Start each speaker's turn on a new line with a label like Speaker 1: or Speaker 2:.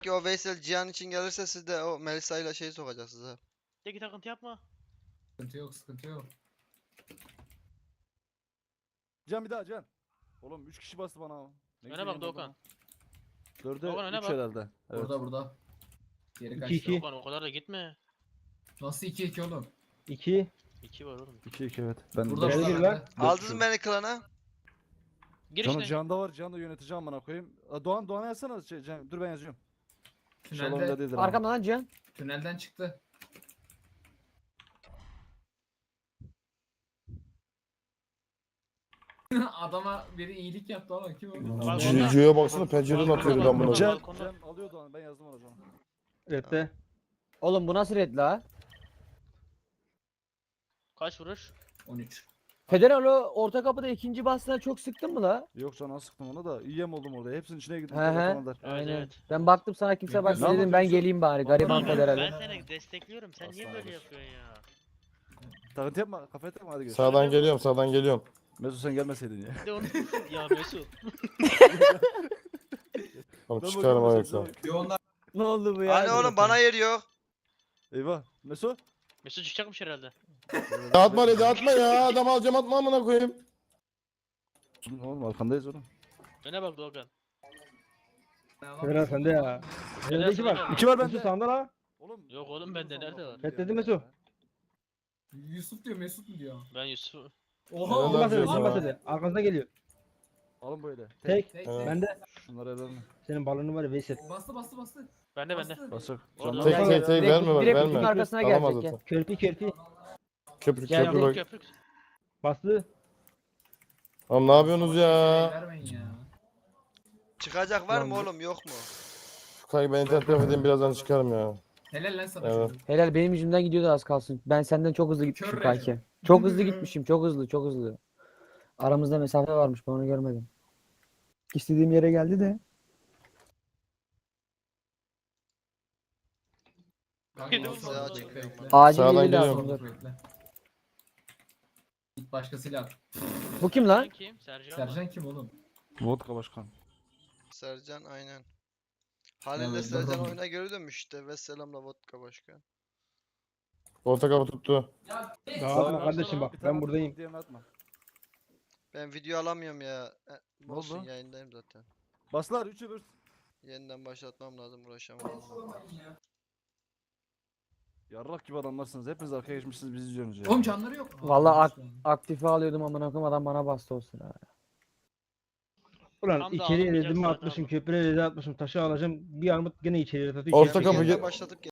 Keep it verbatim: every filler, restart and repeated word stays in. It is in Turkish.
Speaker 1: Ki o Veysel Cihan için gelirse siz de o Melisa ile şeyi sokacaksınız ha.
Speaker 2: Tek takıntı yapma.
Speaker 3: Sıkıntı yok, sıkıntı yok.
Speaker 4: Can bir daha Can. Oğlum üç kişi bastı bana. Ne
Speaker 2: Öne
Speaker 4: güzel
Speaker 2: bak
Speaker 4: yemin
Speaker 2: Doğukan.
Speaker 4: ederim. Dörde
Speaker 2: Doğukan öne
Speaker 4: üç
Speaker 2: bak.
Speaker 4: herhalde. Evet.
Speaker 3: Burada burada. Geri
Speaker 5: İki,
Speaker 3: kaçtı.
Speaker 5: iki.
Speaker 2: Doğukan o kadar da gitme.
Speaker 3: Nasıl iki iki oğlum?
Speaker 5: iki.
Speaker 2: İki var oğlum.
Speaker 4: iki iki evet. Ben
Speaker 3: Burada
Speaker 5: Gel,
Speaker 3: burada.
Speaker 5: gel
Speaker 3: bende.
Speaker 5: lan.
Speaker 1: Aldınız mı beni klana?
Speaker 2: Gir
Speaker 4: Can'ı
Speaker 2: işte.
Speaker 4: Can'da var. Can'da yöneteceğim bana koyayım. Aa, Doğan Doğan'a yazsana. Şey, Can, dur ben yazıyorum. Şalomda
Speaker 3: Tünelde,
Speaker 4: değildir ama.
Speaker 5: Arkamdan lan Cihan.
Speaker 3: tünelden çıktı. Adama biri iyilik yaptı ama kim o?
Speaker 2: Balkonda.
Speaker 6: Cücüye baksana pencereden atıyor bir
Speaker 2: Balkonda,
Speaker 6: amına.
Speaker 4: Can,
Speaker 2: balkonda.
Speaker 4: Can alıyor Doğan. Ben yazdım ona Can'a.
Speaker 5: Redde. Oğlum bu nasıl red la?
Speaker 2: Kaç vuruş?
Speaker 3: on üç.
Speaker 5: Federal o orta kapıda ikinci bastığına çok sıktın mı la?
Speaker 4: Yok Can'a sıktım ona da. İyiyem oldum orada. Hepsinin içine girdim.
Speaker 5: He he.
Speaker 4: Telefonlar.
Speaker 2: Evet,
Speaker 5: Aynen.
Speaker 2: evet.
Speaker 5: Ben baktım sana kimse
Speaker 3: Ne
Speaker 5: bakmıyor dedim ben
Speaker 4: yapıyorsun?
Speaker 5: geleyim bari gariban
Speaker 4: Vallahi
Speaker 2: Ben,
Speaker 5: Federal'e.
Speaker 2: ben seni destekliyorum. Sen niye
Speaker 3: Asla
Speaker 2: böyle
Speaker 3: olur.
Speaker 2: yapıyorsun ya?
Speaker 4: Takıntı yapma. Kafaya takma hadi görüşürüz.
Speaker 6: Sağdan geliyorum sağdan geliyorum.
Speaker 4: Mesut sen gelmeseydin ya.
Speaker 2: Bir de onu ya Mesut.
Speaker 6: Oğlum
Speaker 4: Ben
Speaker 6: çıkarım
Speaker 4: bakıyorum
Speaker 6: ayakta.
Speaker 4: Mesut'a.
Speaker 3: Bir onlar
Speaker 5: Ne oldu bu ya?
Speaker 1: Hani oğlum bana yer yok.
Speaker 4: Eyvah. Mesut.
Speaker 2: Mesut çıkacakmış herhalde.
Speaker 6: Atma dedi atma ya adam alacağım atma amına koyayım.
Speaker 4: Oğlum arkandayız oğlum.
Speaker 2: Öne bak Doğukan.
Speaker 5: Federal sende ya.
Speaker 2: Federal
Speaker 5: Önde iki var.
Speaker 2: sende.
Speaker 4: İki var
Speaker 5: Mesut
Speaker 4: bende.
Speaker 5: sağında la.
Speaker 4: Oğlum.
Speaker 2: Yok oğlum bende nerede var?
Speaker 5: Reddedi Mesut.
Speaker 3: Yusuf diyor, Mesut mu diyor?
Speaker 2: Ben Yusuf.
Speaker 6: Helal
Speaker 3: Oha.
Speaker 6: olsun.
Speaker 5: Basede,
Speaker 6: ya.
Speaker 5: kim basede? Arkanızda geliyor.
Speaker 4: Alın böyle.
Speaker 5: Tek.
Speaker 3: Tek,
Speaker 6: Evet.
Speaker 3: tek.
Speaker 5: Bende.
Speaker 4: Şunları edelim.
Speaker 5: senin balonu var ya Veysel.
Speaker 3: Bastı bastı bastı.
Speaker 2: Bende bende.
Speaker 3: Bastı.
Speaker 4: Basak.
Speaker 2: Orada.
Speaker 6: Tek
Speaker 5: Gel,
Speaker 6: tek
Speaker 5: gel.
Speaker 6: tek
Speaker 5: Direkt-
Speaker 6: verme bak
Speaker 5: direkt kutunun
Speaker 6: verme.
Speaker 5: arkasına
Speaker 6: Alamaz
Speaker 5: gelecek.
Speaker 6: zaten.
Speaker 5: Körpi körpi.
Speaker 6: Köprü
Speaker 5: Gel,
Speaker 6: köprü
Speaker 5: gel.
Speaker 6: bak.
Speaker 2: Köprük.
Speaker 5: Bastı.
Speaker 6: Oğlum ne yapıyorsunuz ya?
Speaker 3: Vermeyin ya.
Speaker 1: Çıkacak var mı
Speaker 5: Lan bu-
Speaker 1: oğlum yok mu?
Speaker 6: Kanka ben internet telefon edeyim birazdan çıkarım ya.
Speaker 3: Helal lan sana
Speaker 6: Evet.
Speaker 3: çocuk.
Speaker 5: Helal benim yüzümden gidiyordu az kalsın. Ben senden çok hızlı gitmişim
Speaker 3: Kör
Speaker 5: kanki.
Speaker 3: Recep.
Speaker 5: Çok hızlı gitmişim. Çok hızlı çok hızlı. Aramızda mesafe varmış ben onu görmedim. İstediğim yere geldi de.
Speaker 3: Kanka,
Speaker 2: Yedi
Speaker 3: nasıl
Speaker 2: oldu.
Speaker 3: oldu?
Speaker 1: Bekle,
Speaker 3: Bekle, bekle.
Speaker 5: Acil
Speaker 6: Sağdan
Speaker 5: yeri
Speaker 6: geliyorum.
Speaker 5: lazım. dur.
Speaker 3: Bekle. Git başkasıyla at.
Speaker 5: Bu kim
Speaker 2: Sen
Speaker 5: lan?
Speaker 2: kim? Sercan mı?
Speaker 3: Sercan kim oğlum?
Speaker 4: Vodka başkan.
Speaker 1: Sercan aynen. Halil'le
Speaker 3: Evet,
Speaker 1: Sercan
Speaker 3: bakalım.
Speaker 1: oyuna geri dönmüş işte. Vesselam'la vodka başkan.
Speaker 6: Orta kapı tuttu.
Speaker 5: Dağılma
Speaker 2: Sağ-
Speaker 5: kardeşim bak
Speaker 4: Bir tane
Speaker 5: ben
Speaker 4: atma,
Speaker 5: buradayım.
Speaker 4: diğerini atma.
Speaker 1: Ben video alamıyorum ya. E,
Speaker 4: Ne
Speaker 1: olsun
Speaker 4: oldu?
Speaker 1: yayındayım zaten.
Speaker 4: Baslar üçü bir.
Speaker 1: Yeniden başlatmam lazım uğraşamam.
Speaker 4: Yarrak gibi adamlarsınız. Hepiniz arkaya geçmişsiniz bizi izliyorsunuz ya.
Speaker 3: Oğlum canları yok.
Speaker 5: Vallahi
Speaker 3: Aa,
Speaker 5: ak- Aktife alıyordum amına koyayım adam bana bastı o sıra. Ulan
Speaker 2: Tam da
Speaker 5: içeriye
Speaker 2: alınmayacak
Speaker 5: dedim mi
Speaker 2: zaten
Speaker 5: atmışım
Speaker 2: ama.
Speaker 5: köprüye dedi atmışım taşı alacağım bir armut gene içeriye atıyor.
Speaker 6: Orta
Speaker 5: içeri
Speaker 6: kapı
Speaker 5: atıyor.
Speaker 6: gel-
Speaker 1: Yeniden başlatıp